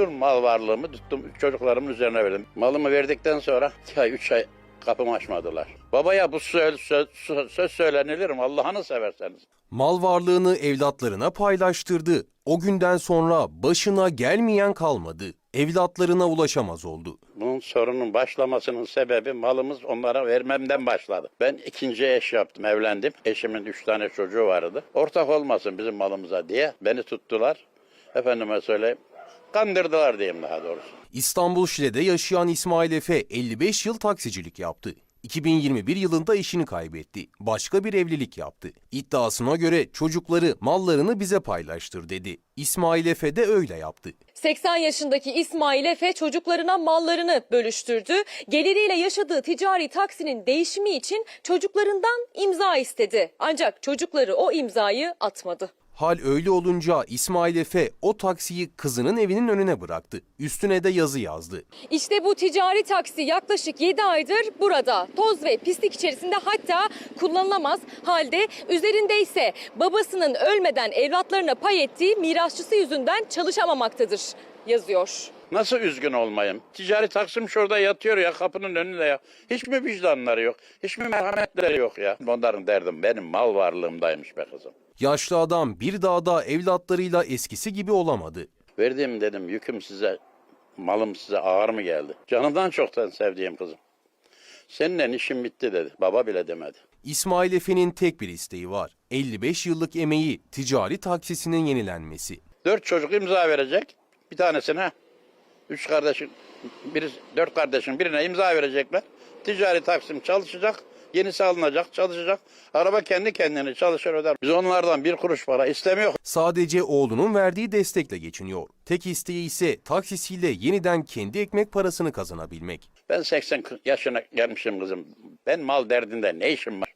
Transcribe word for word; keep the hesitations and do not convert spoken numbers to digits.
bütün mal varlığımı tuttum, çocuklarımın üzerine verdim. Malımı verdikten sonra iki ay, üç ay kapımı açmadılar. Babaya bu söz, söz, söz söylenilir mi Allah'ını severseniz? Mal varlığını evlatlarına paylaştırdı. O günden sonra başına gelmeyen kalmadı. Evlatlarına ulaşamaz oldu. Bunun sorunun başlamasının sebebi malımız onlara vermemden başladı. Ben ikinci eş yaptım, evlendim. Eşimin üç tane çocuğu vardı. Ortak olmasın bizim malımıza diye beni tuttular. Efendime söyleyeyim, kandırdılar diyeyim daha doğrusu. İstanbul Şile'de yaşayan İsmail Efe elli beş yıl taksicilik yaptı. iki bin yirmi bir yılında eşini kaybetti. Başka bir evlilik yaptı. İddiasına göre çocukları mallarını bize paylaştır dedi. İsmail Efe de öyle yaptı. seksen yaşındaki İsmail Efe çocuklarına mallarını bölüştürdü. Geliriyle yaşadığı ticari taksinin değişimi için çocuklarından imza istedi. Ancak çocukları o imzayı atmadı. Hal öyle olunca İsmail Efe o taksiyi kızının evinin önüne bıraktı. Üstüne de yazı yazdı. İşte bu ticari taksi yaklaşık yedi aydır burada. Toz ve pislik içerisinde, hatta kullanılamaz halde. Üzerinde ise babasının ölmeden evlatlarına pay ettiği mirasçısı yüzünden çalışamamaktadır yazıyor. Nasıl üzgün olmayayım? Ticari taksim şurada yatıyor ya, kapının önünde ya. Hiç mi vicdanları yok? Hiç mi merhametleri yok ya? Onların derdim benim mal varlığımdaymış be kızım. Yaşlı adam bir daha da evlatlarıyla eskisi gibi olamadı. Verdiğim dedim yüküm size, malım size ağır mı geldi? Canımdan çoktan sevdiğim kızım. Seninle işim bitti dedi. Baba bile demedi. İsmail Efe'nin tek bir isteği var. elli beş yıllık emeği ticari taksisinin yenilenmesi. Dört çocuk imza verecek. Bir tanesine, üç kardeşin, biri, dört kardeşin birine imza verecekler. Ticari taksim çalışacak. Yenisi alınacak, çalışacak. Araba kendi kendine çalışır öder. Biz onlardan bir kuruş para istemiyor. Sadece oğlunun verdiği destekle geçiniyor. Tek isteği ise taksisiyle yeniden kendi ekmek parasını kazanabilmek. Ben seksen yaşına gelmişim kızım. Ben mal derdinde ne işim var?